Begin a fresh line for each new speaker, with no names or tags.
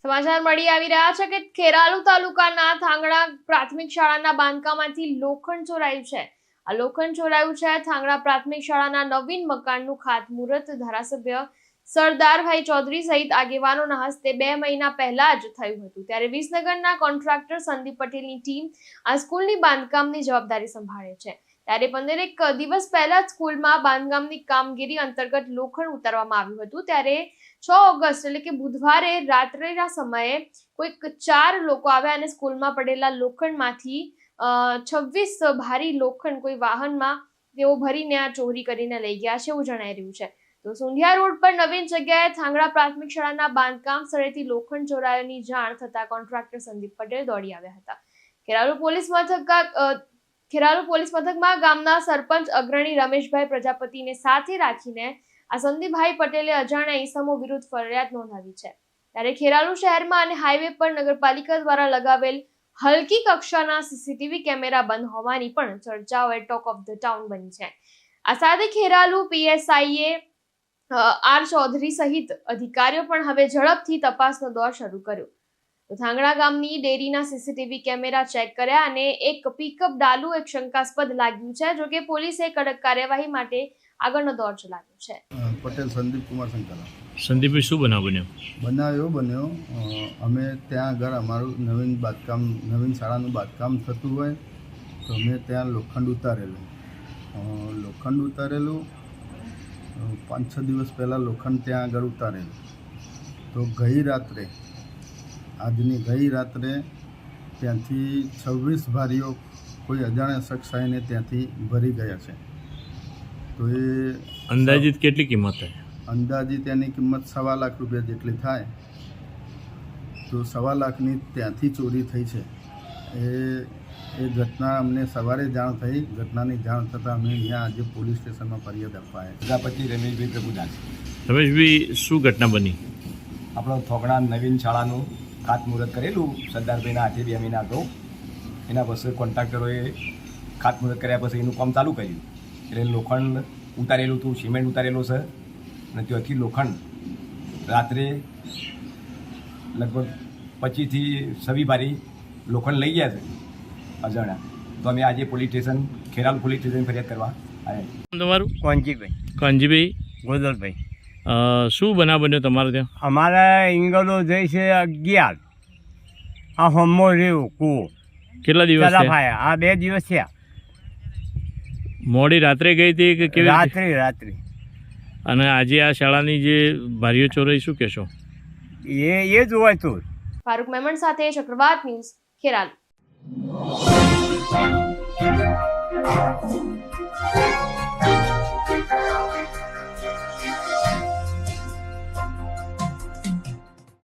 સમાચાર મળી આવી રહ્યા છે કે ખેરાલુ તાલુકાના થાંગડા પ્રાથમિક શાળાના બાંધકામમાંથી લોખંડ ચોરાયું છે. આ લોખંડ ચોરાયું છે. થાંગડા પ્રાથમિક શાળાના નવીન મકાનનું ખાતમુહૂર્ત ધારાસભ્ય સરદારભાઈ ચૌધરી સહિત આગેવાનોના હસ્તે 2 મહિના પહેલા જ થયું હતું. ત્યારે વિસનગરના કોન્ટ્રાક્ટર સંદીપ પટેલની ટીમ આ સ્કૂલની બાંધકામની જવાબદારી સંભાળે છે. ત્યારે 15 દિવસ પહેલા જ સ્કૂલમાં બાંધકામની કામગીરી અંતર્ગત લોખંડ ઉતારવામાં આવ્યું હતું. ત્યારે 6 ઓગસ્ટ એટલે કે બુધવારે રાત્રેના સમયે કોઈક 4 લોકો આવ્યા અને સ્કૂલમાં પડેલા લોખંડમાંથી 26 ભારી લોખંડ કોઈ વાહનમાં તેઓ ભરીને આ ચોરી કરીને લઈ ગયા છે એવું જણાઈ રહ્યું છે. તો સુંઢિયા રોડ પર નવીન જગ્યાએ થાંગડા પ્રાથમિક શાળાના બાંધકામ સ્થળેથી લોખંડ ચોરાયાની જાણ થતા કોન્ટ્રાક્ટર સંદીપ પટેલ દોડી આવ્યા હતા. ખેરાલુ પોલીસ મથકમાં ગામના સરપંચ અગ્રણી રમેશભાઈ પ્રજાપતિને સાથે રાખીને આ સંદીપભાઈ પટેલે અજાણ્યા ઈસમો વિરુદ્ધ ફરિયાદ નોંધાવી છે. ત્યારે ખેરાલુ શહેરમાં અને હાઈવે પર નગરપાલિકા દ્વારા લગાવેલ હલકી કક્ષાના સીસીટીવી કેમેરા બંધ હોવાની પણ ચર્ચાઓ ટોક ઓફ ધ ટાઉન બની છે. આ સાથે ખેરાલુ પીએસઆઈએ આર ચૌધરી સહિત અધિકારીઓ પણ હવે ઝડપથી તપાસનો દોર શરૂ કર્યો. તો થાંગડા ગામની ડેરીના સીસીટીવી કેમેરા ચેક કર્યા અને એક પિકઅપ ડાલુ એક શંકાસ્પદ લાગ્યું છે. જોકે પોલીસે કડક કાર્યવાહી માટે આગળનો દોર ચલાવ્યો છે.
પટેલ સંદીપ કુમાર શંકરલા.
સંદીપભાઈ, શું બનાવ
બન્યો? અમે ત્યાં આગળ અમારું નવીન શાળાનું બાંધકામ થતું હોય તો અમે ત્યાં લોખંડ ઉતારેલું 5-6 દિવસ પહેલાં લોખંડ ત્યાં આગળ ઉતારેલું. તો ગઈ રાત્રે ત્યાંથી 26 ભારીઓ કોઈ અજાણ્યા શખ્સ આવીને ત્યાંથી ભરી ગયા છે. તો એ
અંદાજિત કેટલી કિંમત થાય?
અંદાજિત એની કિંમત 1.25 લાખ રૂપિયા જેટલી થાય. તો 1.25 લાખની ત્યાંથી ચોરી થઈ છે. એ ઘટના અમને સવારે જાણ થઈ. ઘટનાની જાણ થતાં અમે અહીંયા આજે પોલીસ સ્ટેશનમાં ફરિયાદ આપવા આવ્યા.
પ્રજાપતિ રમેશભાઈ પ્રભુદાસ.
રમેશભાઈ, શું ઘટના બની?
આપણો થોગડા નવીન શાળાનું ખાતમુહૂર્ત કરેલું સરદારભાઈના હાથે 2 મહિના અગાઉ. એના પછી કોન્ટ્રાક્ટરોએ ખાતમુહૂર્ત કર્યા પછી એનું કામ ચાલુ કર્યું. એટલે લોખંડ ઉતારેલું હતું, સિમેન્ટ ઉતારેલું છે અને ત્યાંથી લોખંડ રાત્રે લગભગ 25 થી 26 ભારી લોખંડ લઈ ગયા છે અજાણ્યા. તો અમે આજે ખેરાલુ પોલીસ સ્ટેશન ફરિયાદ કરવા આવ્યા.
તમારું?
કોંજીભાઈ
ગોદલભાઈ. શું બનાવ બન્યો તમારે ત્યાં?
અમારે ઇંગલો જઈ છે 11. આ હોમો રહ્યું કૂવો.
કેટલા દિવસ
આ 2 દિવસ થયા.
મોડી રાત્રે ગઈ હતી કે કેવી?
રાત્રે.
અને આજે આ શાળાની જે ભારીઓ ચોરાઈ, શું કહેશો?
એ જ હોય તો.
ફારૂક મેમણ સાથે ચક્રવાત ન્યૂઝ, ખેરાલુ.